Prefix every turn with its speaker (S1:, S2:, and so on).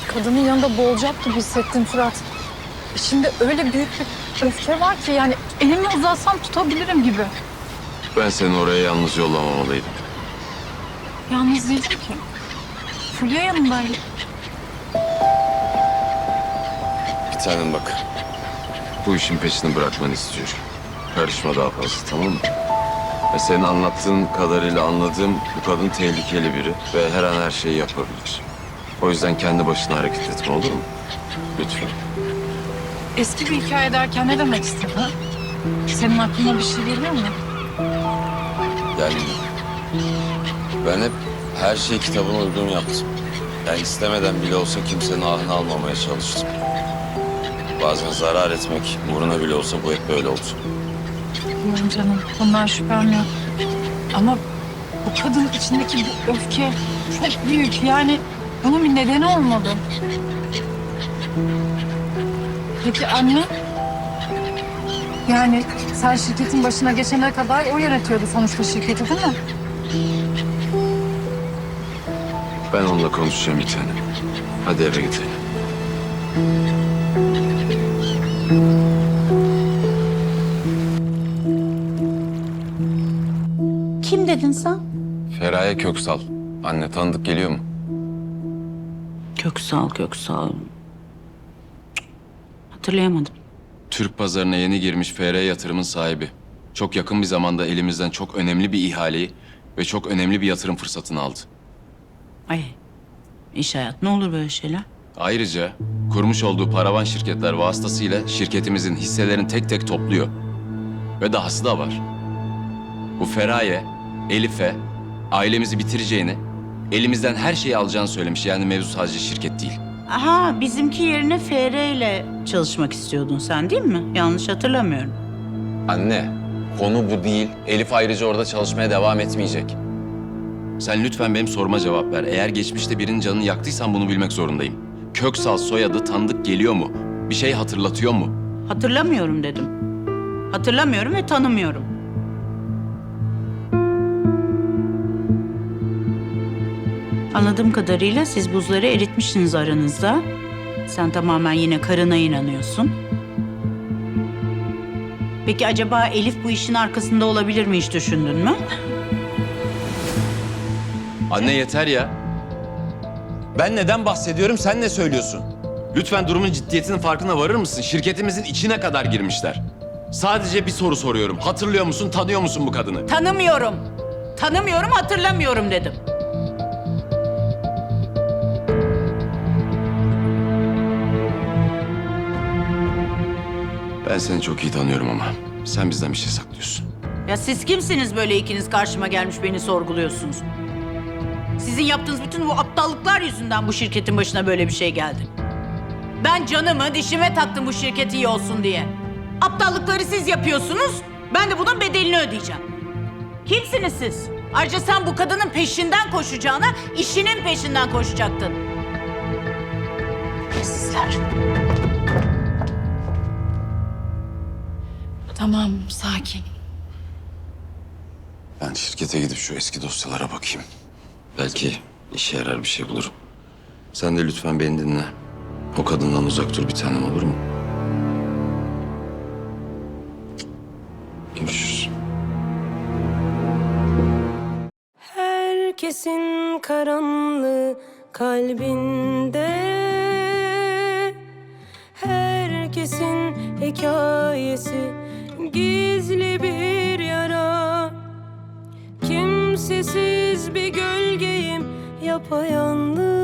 S1: Kadının yanında boğulacak gibi hissettim Fırat. İçimde öyle büyük bir öfke var ki yani elimi uzatsam tutabilirim gibi.
S2: Ben seni oraya yalnız yollamamalıydım.
S1: Yalnız değildim ki. Fulya yanımdaydı.
S2: Bir tanem bak. Bu işin peşini bırakmanı istiyorum. Karışma daha fazla, tamam mı? Ve senin anlattığın kadarıyla anladığım bu kadın tehlikeli biri ve her an her şeyi yapabilir. O yüzden kendi başına hareket etme, olur mu? Lütfen.
S1: Eski bir hikaye derken ne demek istedin? Senin aklına bir şey geliyor mu?
S2: Yani ben hep her şeyi kitabına uygun yaptım. Yani istemeden bile olsa kimsenin ahını almamaya çalıştım. Bazen zarar etmek uğruna bile olsa bu hep böyle oldu.
S1: Bilmiyorum canım. Bundan şüphem yok. Ama bu kadın içindeki bu öfke çok büyük. Yani bunun bir nedeni olmalı. Peki anne? Yani sen şirketin başına geçene kadar o yönetiyordu sonuçta şirketi, değil mi?
S2: Ben onunla konuşacağım bir tane. Hadi eve gidelim.
S3: Kim dedin sen?
S2: Feraye Köksal. Anne tanıdık geliyor mu?
S3: Köksal. Hatırlayamadım.
S2: Türk pazarına yeni girmiş FR Yatırım'ın sahibi. Çok yakın bir zamanda elimizden çok önemli bir ihaleyi ve çok önemli bir yatırım fırsatını aldı.
S3: Ay, iş hayat ne olur böyle şeyler?
S2: Ayrıca kurmuş olduğu paravan şirketler vasıtasıyla şirketimizin hisselerini tek tek topluyor. Ve dahası da var. Bu Feraye, Elif'e ailemizi bitireceğini, elimizden her şeyi alacağını söylemiş. Yani mevzu sadece şirket değil.
S3: Aha, bizimki yerine FR ile çalışmak istiyordun sen değil mi? Yanlış hatırlamıyorum.
S2: Anne, konu bu değil. Elif ayrıca orada çalışmaya devam etmeyecek. Sen lütfen benim soruma cevap ver. Eğer geçmişte birinin canını yaktıysan bunu bilmek zorundayım. Köksal soyadı tanıdık geliyor mu? Bir şey hatırlatıyor mu?
S3: Hatırlamıyorum dedim. Hatırlamıyorum ve tanımıyorum. Anladığım kadarıyla siz buzları eritmişsiniz aranızda. Sen tamamen yine karına inanıyorsun. Peki acaba Elif bu işin arkasında olabilir mi, hiç düşündün mü?
S2: Anne yeter ya. Ben neden bahsediyorum, sen ne söylüyorsun? Lütfen durumun ciddiyetinin farkına varır mısın? Şirketimizin içine kadar girmişler. Sadece bir soru soruyorum. Hatırlıyor musun, tanıyor musun bu kadını?
S3: Tanımıyorum. Tanımıyorum, hatırlamıyorum dedim.
S2: Ben seni çok iyi tanıyorum ama sen bizden bir şey saklıyorsun.
S3: Ya siz kimsiniz böyle ikiniz karşıma gelmiş beni sorguluyorsunuz? Sizin yaptığınız bütün bu aptallıklar yüzünden bu şirketin başına böyle bir şey geldi. Ben canımı dişime taktım bu şirket iyi olsun diye. Aptallıkları siz yapıyorsunuz, ben de bunun bedelini ödeyeceğim. Kimsiniz siz? Ayrıca sen bu kadının peşinden koşacağına işinin peşinden koşacaktın. Sizler.
S1: Tamam, sakin.
S2: Ben şirkete gidip şu eski dosyalara bakayım. Belki işe yarar bir şey bulurum. Sen de lütfen beni dinle. O kadından uzak dur bir tanem, olur mu? Görüşürüz.
S4: Herkesin karanlığı kalbinde, herkesin hikayesi gizli bir yara. Kimsesiz bir gölgeyim yapayalnız.